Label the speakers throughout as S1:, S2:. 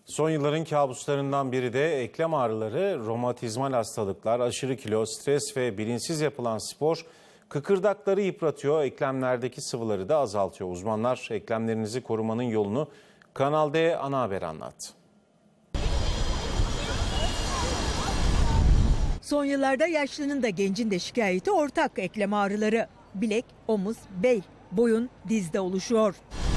S1: Son yılların kabuslarından biri de eklem ağrıları, romatizmal hastalıklar, aşırı kilo, stres ve bilinçsiz yapılan spor kıkırdakları yıpratıyor, eklemlerdeki sıvıları da azaltıyor. Uzmanlar eklemlerinizi korumanın yolunu Kanal D Ana Haber anlattı.
S2: Son yıllarda yaşlının da gencin de şikayeti ortak eklem ağrıları. Bilek, omuz, bel, boyun, dizde oluşuyor.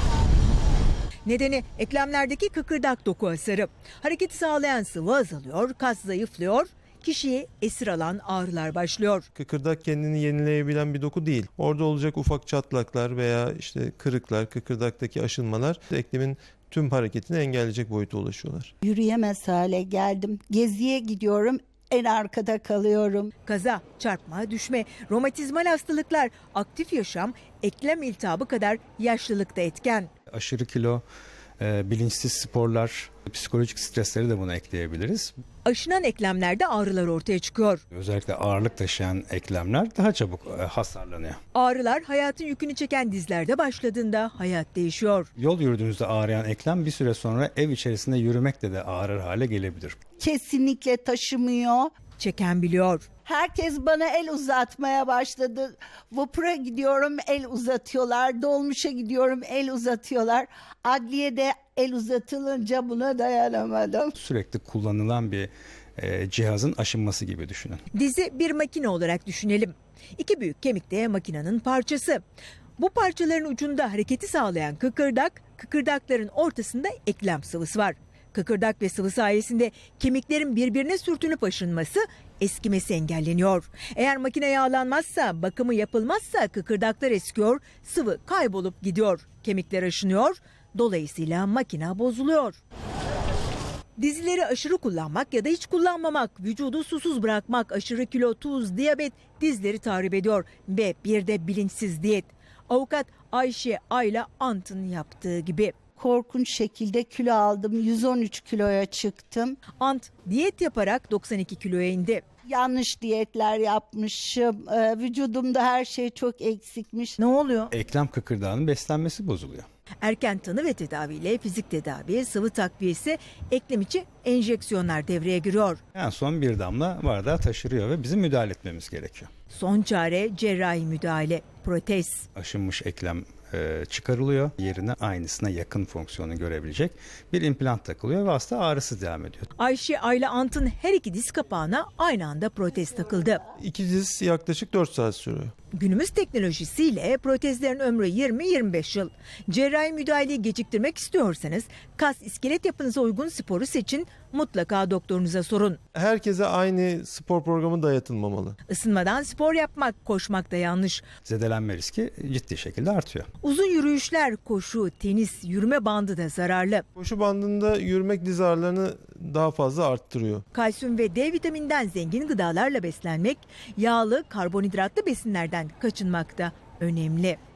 S2: Nedeni eklemlerdeki kıkırdak doku hasarı. Hareketi sağlayan sıvı azalıyor, kas zayıflıyor, kişiyi esir alan ağrılar başlıyor.
S3: Kıkırdak kendini yenileyebilen bir doku değil. Orada olacak ufak çatlaklar veya kırıklar, kıkırdaktaki aşınmalar eklemin tüm hareketini engelleyecek boyuta ulaşıyorlar.
S4: Yürüyemez hale geldim. Geziye gidiyorum, en arkada kalıyorum.
S2: Kaza, çarpma, düşme, romatizmal hastalıklar, aktif yaşam, eklem iltihabı kadar yaşlılıkta etken.
S5: Aşırı kilo, bilinçsiz sporlar, psikolojik stresleri de buna ekleyebiliriz.
S2: Aşınan eklemlerde ağrılar ortaya çıkıyor.
S5: Özellikle ağırlık taşıyan eklemler daha çabuk hasarlanıyor.
S2: Ağrılar hayatın yükünü çeken dizlerde başladığında hayat değişiyor.
S5: Yol yürüdüğünüzde ağrıyan eklem bir süre sonra ev içerisinde yürümekle de ağrır hale gelebilir.
S4: Kesinlikle taşımıyor.
S2: Çeken biliyor.
S4: Herkes bana el uzatmaya başladı. Vapura gidiyorum, el uzatıyorlar. Dolmuşa gidiyorum, el uzatıyorlar. Adliyede el uzatılınca buna dayanamadım.
S5: Sürekli kullanılan bir cihazın aşınması gibi düşünün.
S2: Dizi bir makine olarak düşünelim. İki büyük kemik de makinenin parçası. Bu parçaların ucunda hareketi sağlayan kıkırdak, kıkırdakların ortasında eklem sıvısı var. Kıkırdak ve sıvı sayesinde kemiklerin birbirine sürtünüp aşınması, eskimesi engelleniyor. Eğer makine yağlanmazsa, bakımı yapılmazsa kıkırdaklar eskiyor, sıvı kaybolup gidiyor. Kemikler aşınıyor, dolayısıyla makine bozuluyor. Dizileri aşırı kullanmak ya da hiç kullanmamak, vücudu susuz bırakmak, aşırı kilo, tuz, diyabet dizleri tahrip ediyor ve bir de bilinçsiz diyet. Avukat Ayşe Ayla Ant'ın yaptığı gibi.
S4: Korkunç şekilde kilo aldım. 113 kiloya çıktım.
S2: Ant diyet yaparak 92 kiloya indi.
S4: Yanlış diyetler yapmışım. Vücudumda her şey çok eksikmiş.
S2: Ne oluyor?
S5: Eklem kıkırdağının beslenmesi bozuluyor.
S2: Erken tanı ve tedaviyle fizik tedavi, sıvı takviyesi, eklem içi enjeksiyonlar devreye giriyor.
S5: En son bir damla bardağı taşırıyor ve bizim müdahale etmemiz gerekiyor.
S2: Son çare cerrahi müdahale, protez.
S5: Aşınmış eklem çıkarılıyor. Yerine aynısına yakın fonksiyonu görebilecek bir implant takılıyor ve hasta ağrısız devam ediyor.
S2: Ayşe Ayla Ant'ın her iki diz kapağına aynı anda protez takıldı.
S3: İki diz yaklaşık 4 saat sürüyor.
S2: Günümüz teknolojisiyle protezlerin ömrü 20-25 yıl. Cerrahi müdahaleyi geciktirmek istiyorsanız kas iskelet yapınıza uygun sporu seçin, mutlaka doktorunuza sorun.
S3: Herkese aynı spor programı dayatılmamalı.
S2: Isınmadan spor yapmak, koşmak da yanlış.
S5: Zedelenme riski ciddi şekilde artıyor.
S2: Uzun yürüyüşler, koşu, tenis, yürüme bandı da zararlı.
S3: Koşu bandında yürümek diz ağrılarını daha fazla arttırıyor.
S2: Kalsiyum ve D vitamininden zengin gıdalarla beslenmek, yağlı, karbonhidratlı besinlerden kaçınmak da önemli.